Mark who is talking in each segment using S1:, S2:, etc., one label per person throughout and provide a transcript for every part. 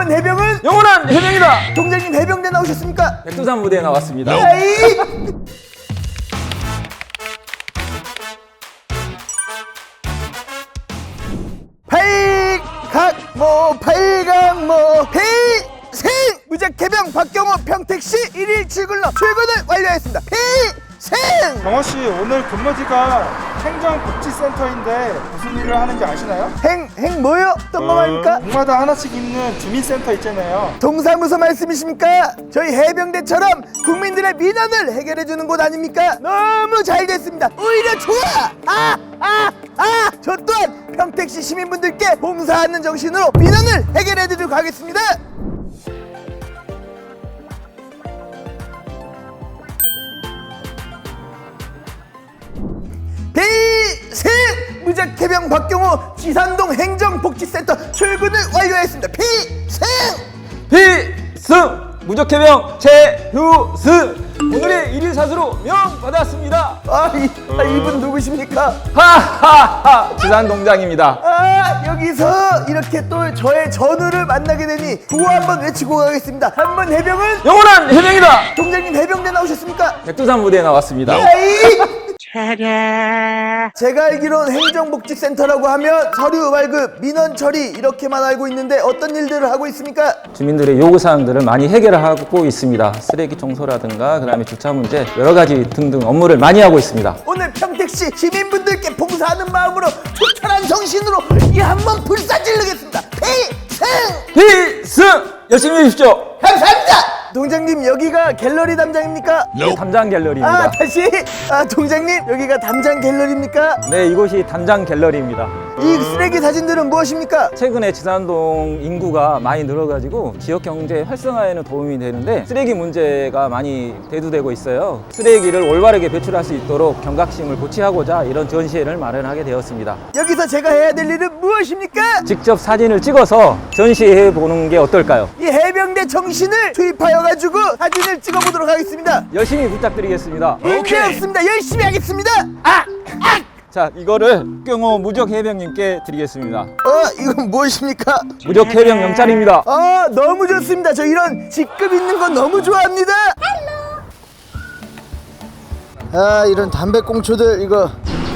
S1: 번 해병은
S2: 영원한 해병이다.
S1: 동장님 해병대 나오셨습니까?
S2: 백두산 무대에 나왔습니다.
S1: 아이! 팔강모 필생 무작 해병 박경호 평택시 1일 출근로 출근을 완료했습니다. 필생
S3: 경호씨, 오늘 근무지가 행정복지센터인데 무슨 일을 하는지 아시나요?
S1: 행 뭐요? 어떤 거 말입니까?
S3: 동마다 하나씩 있는 주민센터 있잖아요.
S1: 동사무소 말씀이십니까? 저희 해병대처럼 국민들의 민원을 해결해주는 곳 아닙니까? 너무 잘 됐습니다. 오히려 좋아! 저 또한 평택시 시민분들께 봉사하는 정신으로 민원을 해결해드리도록 하겠습니다. 필승 무작 해병 박경호 지산동 행정복지센터 출근을 완료했습니다. 필승
S2: 필승 무적해병 최휴승 오늘의 1일 사수로 명 받았습니다.
S1: 이분 누구십니까?
S2: 하하하 지산 동장입니다.
S1: 여기서 이렇게 또 저의 전우를 만나게 되니 구호 한번 외치고 가겠습니다. 한 번 해병은
S2: 영원한 해병이다.
S1: 동장님 해병대 나오셨습니까?
S2: 백두산 무대에 나왔습니다.
S1: 제가 알기로는 행정복지센터라고 하면 서류 발급, 민원 처리 이렇게만 알고 있는데 어떤 일들을 하고 있습니까?
S2: 주민들의 요구사항들을 많이 해결하고 있습니다. 쓰레기 청소라든가 그다음에 주차 문제 여러 가지 등등 업무를 많이 하고 있습니다.
S1: 오늘 평택시 시민분들께 봉사하는 마음으로 초철한 정신으로 이 한번 불사질르겠습니다. 필승!
S2: 필승 열심히 해주십시오.
S1: 감사합니다. 동장님 여기가 갤러리 담장입니까?
S2: 네, 담장 갤러리입니다.
S1: 다시 동장님 여기가 담장 갤러리입니까?
S2: 네, 이곳이 담장 갤러리입니다.
S1: 이 쓰레기 사진들은 무엇입니까?
S2: 최근에 지산동 인구가 많이 늘어가지고 지역 경제 활성화에는 도움이 되는데 쓰레기 문제가 많이 대두되고 있어요. 쓰레기를 올바르게 배출할 수 있도록 경각심을 고취하고자 이런 전시회를 마련하게 되었습니다.
S1: 여기서 제가 해야 될 일은 무엇입니까?
S2: 직접 사진을 찍어서 전시해 보는 게 어떨까요?
S1: 이 해병대 정신을 투입하여가지고 사진을 찍어보도록 하겠습니다.
S2: 열심히 부탁드리겠습니다.
S1: 문제 없습니다. 열심히 하겠습니다.
S2: 자, 이거를 경호 무적 해병님께 드리겠습니다.
S1: 이건 무엇입니까?
S2: 무적 해병 영찰입니다.
S1: 너무 좋습니다. 저 이런 직급 있는 건 너무 좋아합니다. 이런 담배꽁초들 이거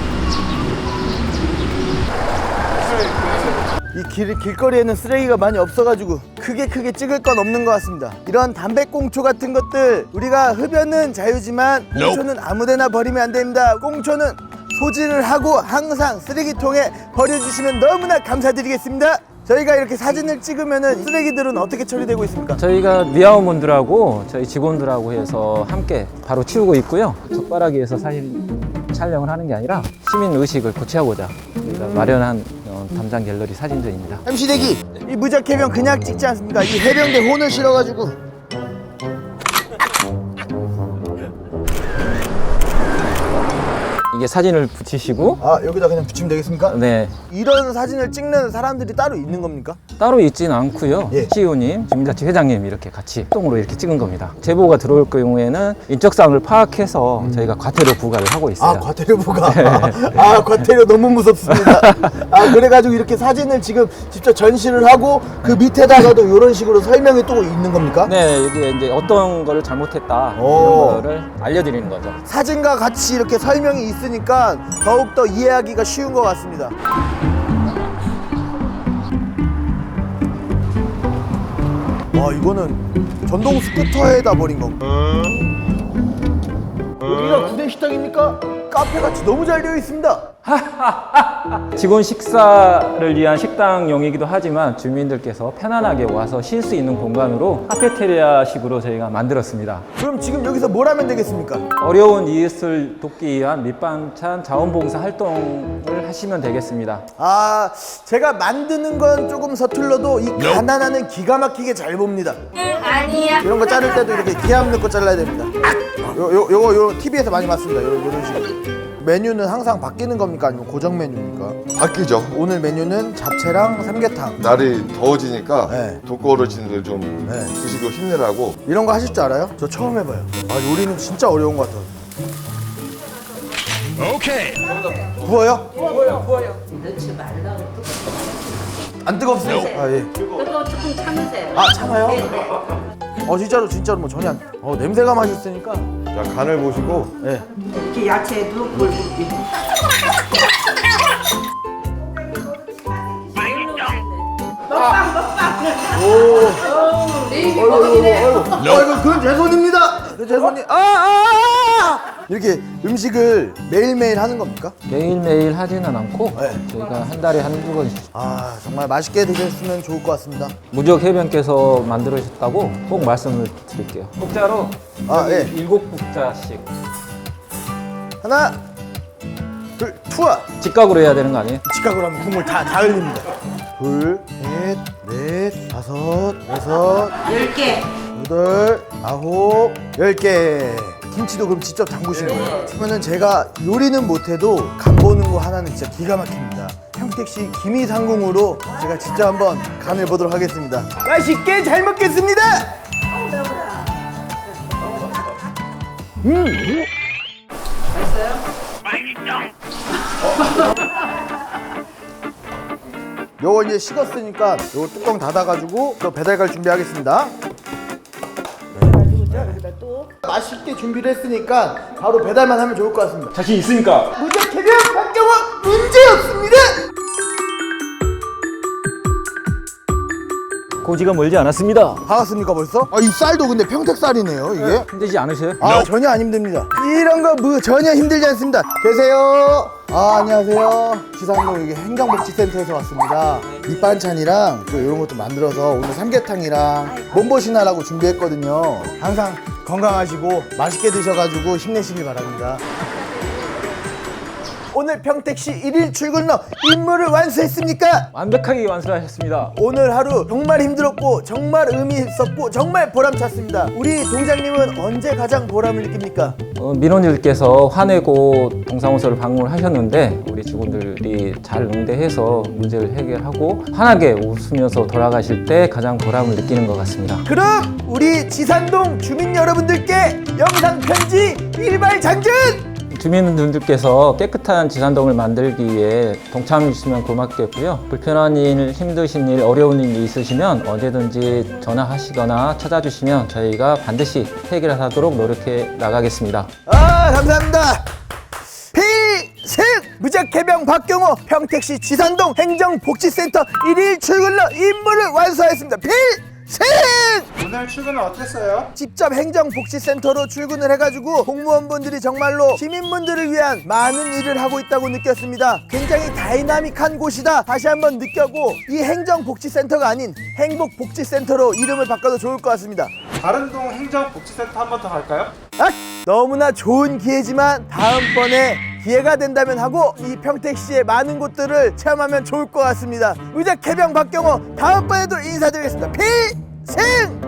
S1: 이 길거리에는 쓰레기가 많이 없어가지고 크게 찍을 건 없는 것 같습니다. 이런 담배꽁초 같은 것들 우리가 흡연은 자유지만 꽁초는 아무데나 버리면 안 됩니다. 꽁초는 소진을 하고 항상 쓰레기통에 버려주시면 너무나 감사드리겠습니다. 저희가 이렇게 사진을 찍으면은 쓰레기들은 어떻게 처리되고 있습니까?
S2: 저희가 미아원분들하고 저희 직원들하고 해서 함께 바로 치우고 있고요. 적발하기 위해서 사진 촬영을 하는 게 아니라 시민 의식을 고취하고자 저희가 마련한 담장 갤러리 사진전입니다.
S1: MC 대기! 이 무적 해병 그냥 찍지 않습니까? 이 해병대 혼을 실어가지고
S2: 이게 사진을 붙이시고
S1: 여기다 그냥 붙이면 되겠습니까?
S2: 네,
S1: 이런 사진을 찍는 사람들이 따로 있는 겁니까?
S2: 따로 있지는 않고요.
S1: 예.
S2: CEO님, 주민자치 회장님 이렇게 같이 합동으로 이렇게 찍은 겁니다. 제보가 들어올 경우에는 인적사항을 파악해서 저희가 과태료 부과를 하고 있어요.
S1: 과태료 부과. 과태료 너무 무섭습니다. 그래가지고 이렇게 사진을 지금 직접 전시를 하고 그 밑에다가도 이런 식으로 설명이 또 있는 겁니까?
S2: 네, 이게 이제 어떤 거를 잘못했다 이런 거를 알려드리는 거죠.
S1: 사진과 같이 이렇게 설명이 있으니까 더욱더 이해하기가 쉬운 것 같습니다. 이거는 전동 스쿠터에다 버린 건가? 여기가 구내식당입니까? 카페같이 너무 잘 되어 있습니다.
S2: 직원 식사를 위한 식당용이기도 하지만 주민들께서 편안하게 와서 쉴 수 있는 공간으로 카페테리아식으로 저희가 만들었습니다.
S1: 그럼 지금 여기서 뭘 하면 되겠습니까?
S2: 어려운 이웃을 돕기 위한 밑반찬 자원봉사 활동을 하시면 되겠습니다.
S1: 제가 만드는 건 조금 서툴러도 이 가난하는 기가 막히게 잘 봅니다.
S4: 아니야.
S1: 이런 거 자를 때도 이렇게 기함 넣고 잘라야 됩니다. 요거 TV에서 많이 봤습니다. 이런 식으로. 메뉴는 항상 바뀌는 겁니까? 아니면 고정 메뉴입니까?
S5: 바뀌죠.
S1: 오늘 메뉴는 잡채랑 삼계탕.
S5: 날이 더워지니까
S1: 네.
S5: 독거 어르신들 좀
S1: 네.
S5: 드시고 힘내라고.
S1: 이런 거 하실 줄 알아요? 저 처음 해봐요. 요리는 진짜 어려운 것 같아요. 오케이. 구워요?
S4: 넣지 말라고.
S1: 안 뜨겁습니다. 아 예.
S4: 그거 조금 참으세요.
S1: 아 참아요?
S4: 네.
S1: 진짜로 뭐 전혀 안. 냄새가 맛있으니까.
S5: 자, 간을 보시고
S1: 예.
S4: 이렇게 야채도 골고루.
S1: 아이고 그건 제 손입니다. 그건 제 손이. 이렇게 음식을 매일매일 하는 겁니까?
S2: 매일매일 하지는 않고
S1: 네.
S2: 저희가 한 달에 한두 번씩
S1: 정말 맛있게 드셨으면 좋을 것 같습니다.
S2: 무적 해변께서 만들어주셨다고 꼭 말씀을 드릴게요. 국자로
S1: 예.
S2: 7국자씩
S1: 하나, 둘, 투하.
S2: 직각으로 해야 되는 거 아니에요?
S1: 직각으로 하면 국물 다 흘립니다. 둘, 셋, 넷, 다섯, 여섯,
S4: 10개.
S1: 여덟, 아홉, 10개. 김치도 그럼 직접 담그시는 거예요? 그러면은 제가 요리는 못해도 간 보는 거 하나는 진짜 기가 막힙니다. 평택시 김이상궁으로 제가 직접 한번 간을 보도록 하겠습니다. 맛있게 잘 먹겠습니다. 요거 이제 식었으니까 요거 뚜껑 닫아가지고 또 배달 갈 준비하겠습니다. 맛있게 준비를 했으니까 바로 배달만 하면 좋을 것 같습니다.
S3: 자신 있으니까.
S1: 무적 해변 박경호 문제였습니다.
S2: 고지가 멀지 않았습니다.
S1: 반갑습니까 벌써? 이 쌀도 근데 평택 쌀이네요 이게.
S2: 힘들지 않으세요?
S1: 전혀 안 힘듭니다. 이런 거 전혀 힘들지 않습니다. 계세요. 안녕하세요. 지상동 여기 행정복지센터에서 왔습니다. 밑반찬이랑 또 이런 것도 만들어서 오늘 삼계탕이랑 몸보신하라고 준비했거든요. 항상 건강하시고 맛있게 드셔가지고 힘내시길 바랍니다. 오늘 평택시 1일 출근로 임무를 완수했습니까?
S2: 완벽하게 완수하셨습니다.
S1: 오늘 하루 정말 힘들었고 정말 의미 있었고 정말 보람찼습니다. 우리 동장님은 언제 가장 보람을 느낍니까?
S2: 민원인들께서 화내고 동사무소를 방문하셨는데 우리 직원들이 잘 응대해서 문제를 해결하고 환하게 웃으면서 돌아가실 때 가장 보람을 느끼는 것 같습니다.
S1: 그럼 우리 지산동 주민 여러분들께 영상 편지 일발장전!
S2: 주민분들께서 깨끗한 지산동을 만들기 위해 동참해 주시면 고맙겠고요. 불편한 일, 힘드신 일, 어려운 일이 있으시면 언제든지 전화하시거나 찾아주시면 저희가 반드시 해결하도록 노력해 나가겠습니다.
S1: 감사합니다. 필승! 무적해병 박경호 평택시 지산동 행정복지센터 1일 출근로 임무를 완수하였습니다. 필승!
S3: 오늘 출근은 어땠어요?
S1: 직접 행정복지센터로 출근을 해가지고 공무원분들이 정말로 시민분들을 위한 많은 일을 하고 있다고 느꼈습니다. 굉장히 다이나믹한 곳이다 다시 한번 느꼈고 이 행정복지센터가 아닌 행복복지센터로 이름을 바꿔도 좋을 것 같습니다.
S3: 다른 동 행정복지센터 한 번 더 갈까요?
S1: 너무나 좋은 기회지만 다음번에 기회가 된다면 하고 이 평택시의 많은 곳들을 체험하면 좋을 것 같습니다. 무적해병 박경호 다음번에도 인사드리겠습니다. 필승!